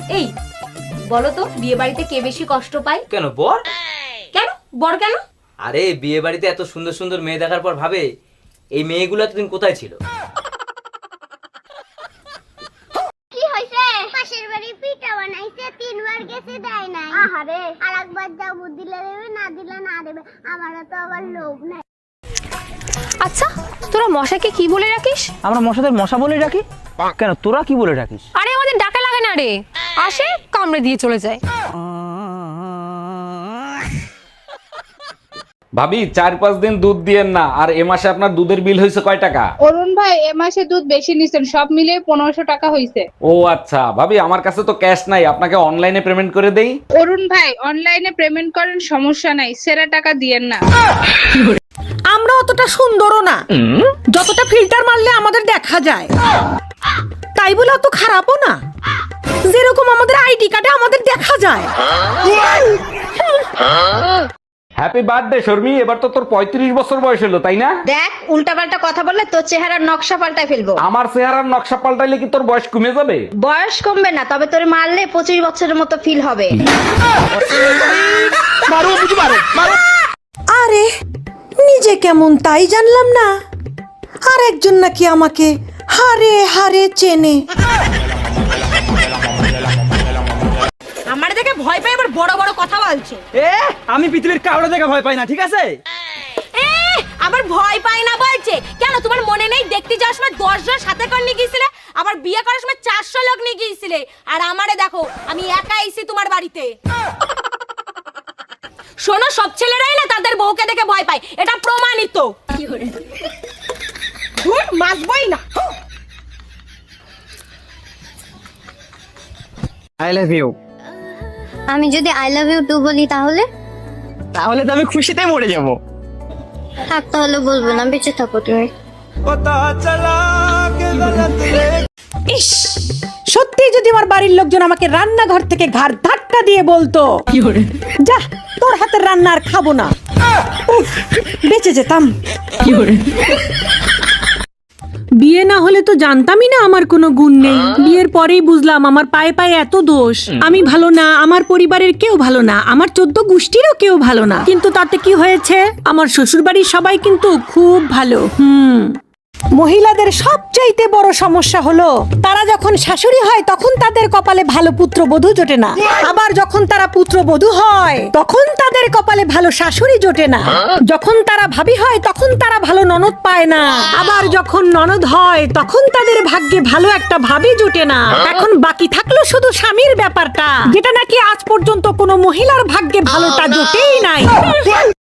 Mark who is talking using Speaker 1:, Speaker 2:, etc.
Speaker 1: এই বলো তো বিয়ে বাড়িতে কে বেশি কষ্ট পায়?
Speaker 2: কেন বর?
Speaker 1: কেন বর কেন?
Speaker 2: আরে বিয়ে বাড়িতে এত সুন্দর সুন্দর মেয়ে দেখার পর ভাবে এই মেয়েগুলো এতদিন কোথায় ছিল।
Speaker 3: কি হইছে? পাশের বাড়ি পিঠা বানাইছে, 3 বার গেছে দেয় নাই। আহারে, আরেকবার যাও, দিলে দেবে, না দিলে না দেবে। আমারও তো আবার লোভ নাই।
Speaker 1: আচ্ছা তোরা মশাকে কি বলে রাখিস?
Speaker 2: আমরা মশাদের মশা বলে রাখি। কেন তোরা কি বলে রাখিস?
Speaker 1: আরে আমাদের ডাকা লাগে না রে, আসে কামড়ে দিয়ে চলে যায়।
Speaker 4: ভাবি 4-5 দিন দুধ দিয়েন না। আর এ মাসে আপনার দুধের বিল হয়েছে কয় টাকা?
Speaker 5: অরুণ ভাই এ মাসে দুধ বেশি নিছেন, সব মিলিয়ে 1500 টাকা হইছে।
Speaker 4: ও আচ্ছা ভাবি, আমার কাছে তো ক্যাশ নাই, আপনাকে অনলাইনে পেমেন্ট করে দেই।
Speaker 5: অরুণ ভাই অনলাইনে পেমেন্ট করেন, সমস্যা নাই, সেরা টাকা দিয়েন না।
Speaker 6: আমরা অতটা সুন্দরও না, যতটা ফিল্টার মারলে আমাদের দেখা যায়, তাই বলে অত খারাপও না, যেরকম আমাদের আইডি কার্ডে আমাদের দেখা যায়।
Speaker 4: হ্যাপি বার্থডে শর্মি, এবার তো তোর 35 বছর বয়স হলো, তাই না?
Speaker 7: দেখ উল্টাপাল্টা কথা বললে তোর চেহারার নকশা পাল্টায় ফেলবো।
Speaker 4: আমার চেহারার নকশা পাল্টাইলে কি তোর বয়স কমে যাবে?
Speaker 7: বয়স কমবে না, তবে তোর মারলে 25 বছরের মতো ফিল হবে।
Speaker 6: আরে নিজে কেমন তাই জানলাম না, আর একজন নাকি আমাকে হারে হারে চেনে।
Speaker 1: আমার দেখে ভয় পায়, আবার বড় বড় কথা বলছে।
Speaker 2: আমি পৃথিবীর কাউরে দেখে ভয় পাই না, ঠিক আছে?
Speaker 1: আবার ভয় পায় না বলছে কেন? তোমার মনে নেই দেখতে যাওয়ার সময় 10 জন সাথে করে নিয়ে গিয়েছিলে, আবার বিয়ে করার সময় 400 লোক নিয়ে গিয়েছিলে, আর আমারে দেখো আমি একা আইছি তোমার বাড়িতে। শোনো, সব ছেলেরাই না তাদের বউকে দেখে ভয় পায়, এটা প্রমাণিত। ধুর, মাসবই না।
Speaker 2: I love you.
Speaker 3: আমি যদি আই লাভ ইউ টু বলি তাহলে?
Speaker 2: তাহলে তো আমি খুশিতে মরে যাব।
Speaker 3: থাক, তাহলে বলবো না, বেঁচে থাকো তুমি।
Speaker 6: ইস, সত্যি যদি আমার বাড়ির লোকজন আমাকে রান্নাঘর থেকে ঘাড় ধাক্কা দিয়ে বলতো, যা তোর হাতের রান্না আর খাবো না, উফ, বেঁচে যেতাম। বিয়ে না হলে তো জানতামই না আমার কোনো গুণ নেই, বিয়ের পরেই বুঝলাম আমার পায়ে পায়ে এত দোষ। আমি ভালো না, আমার পরিবারের কেউ ভালো না, আমার 14 গোষ্ঠীরও কেউ ভালো না, কিন্তু তাতে কি হয়েছে, আমার শ্বশুরবাড়ির সবাই কিন্তু খুব ভালো। মহিলাদের সবচাইতে বড় সমস্যা হলো তারা যখন শাশুড়ি হয় তখন তাদের কপালে ভালো পুত্রবধূ জোটে না, আবার যখন তারা পুত্রবধূ হয় তখন তাদের কপালে ভালো শাশুড়ি জোটে না, যখন তারা ভাবি হয় তখন তারা ভালো ননদ পায় না, আবার যখন ননদ হয় তখন তাদের ভাগ্যে ভালো একটা ভাবি জোটে না। এখন বাকি থাকলো শুধু স্বামীর ব্যাপারটা, যেটা নাকি আজ পর্যন্ত কোনো মহিলার ভাগ্যে ভালোটা জোটেই নাই।